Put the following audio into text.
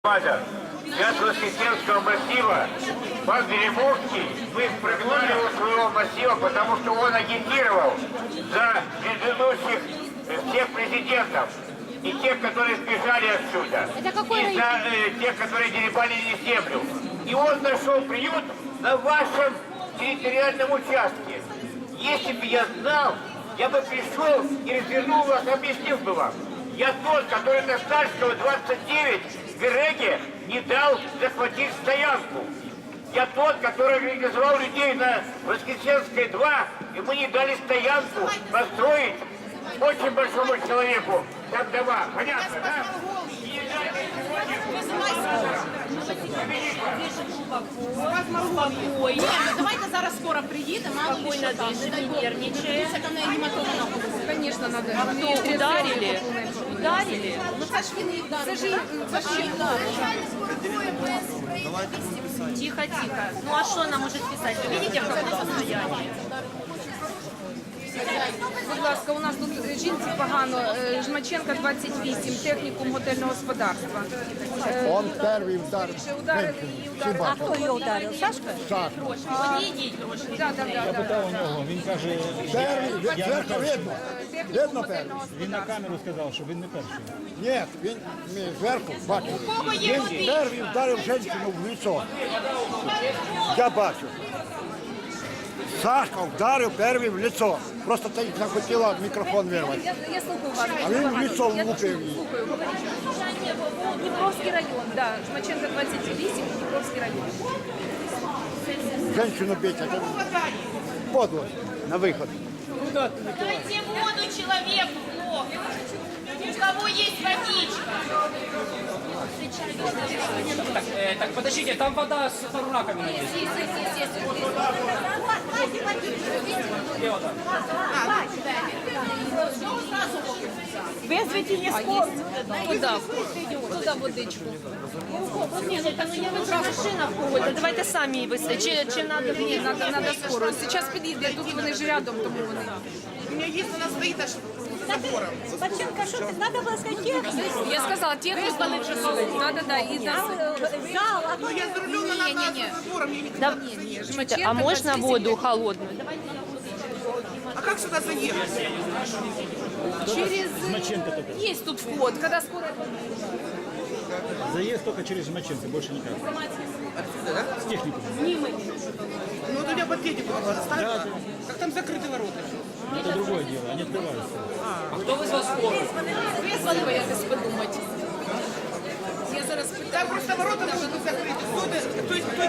Я с Воскресенского массива, пан Береговский, мы прогнали его своего массива, потому что он агитировал за предыдущих всех президентов и тех, которые сбежали отсюда, и за тех, которые деребанили землю. И он нашел приют на вашем территориальном участке. Если бы я знал, я бы пришел и развернул вас, объяснил бы вам. Я тот, который на Стальского 29 в Береге не дал захватить стоянку. Я тот, который организовал людей на Воскресенской 2, и мы не дали стоянку построить очень большому человеку там дома. Понятно, да? Спокойно. Давайте зараз скоро приедем, а Спокойно дышим, не нервничаем. Конечно, надо. А кто ударили? Ударили? Ну це ж він їх вдарив. Це ж їх Тихо, тихо. Ну а что она может писать? Вы видите, в каком состоянии? Будь ласка, у нас тут жінці погано, Жмаченка 28, технікум готельного господарства. Он перший вдарив. Ударили її, ударили. А кто ее ударил? Сашка? Так. Подійдіть трошки. Да. Питав у нього, він каже, Перший, зверху видно. Видно перший. він на камеру сказав, що він не перший. Ні, він зверху бачив. Він перший вдарив жінку в лицо. Я бачу. Сашка вдарив перший в лицо. Просто ти захотіла мікрофон вирвати. Я слухаю вас. А він в лицо влупив її. Дніпровський район, да. Жмаченка 28, Дніпровський район. Женщину бить, а то подло на виход. Дайте воду человеку, у кого есть водичка. Так, подождите, там вода с раковиной есть. Вызвайте мне скорую. Туда водичку. Нет, это ну я выбрала машина какой-то. Давайте сами выставите. Чем надо? Ні, надо скорую. Зараз підійде, тут вони ж рядом, тому вони. У меня есть, она стоит аж забором. Спочатку, що ти треба було сказати техніку? Я сказала, техніку. Да, і нас. Зал, а Ну я за рулем, она Не-не-не. за забором. Я не- Да. Жмаченка А можно 28. воду холодную? А как сюда заехать? Через... Жмаченко только. Есть тут вход, когда скоро... Заезд только через Жмаченко, больше никак. Отсюда, да? С техником. Ну вот у меня под технику надо ставить. Как там закрыты ворота? Это другое дело, они открываются. А кто вызвал скорую? Визвали ви якось подумати. Я зараз Там питаю. просто ворота должны быть закрыты. То есть кто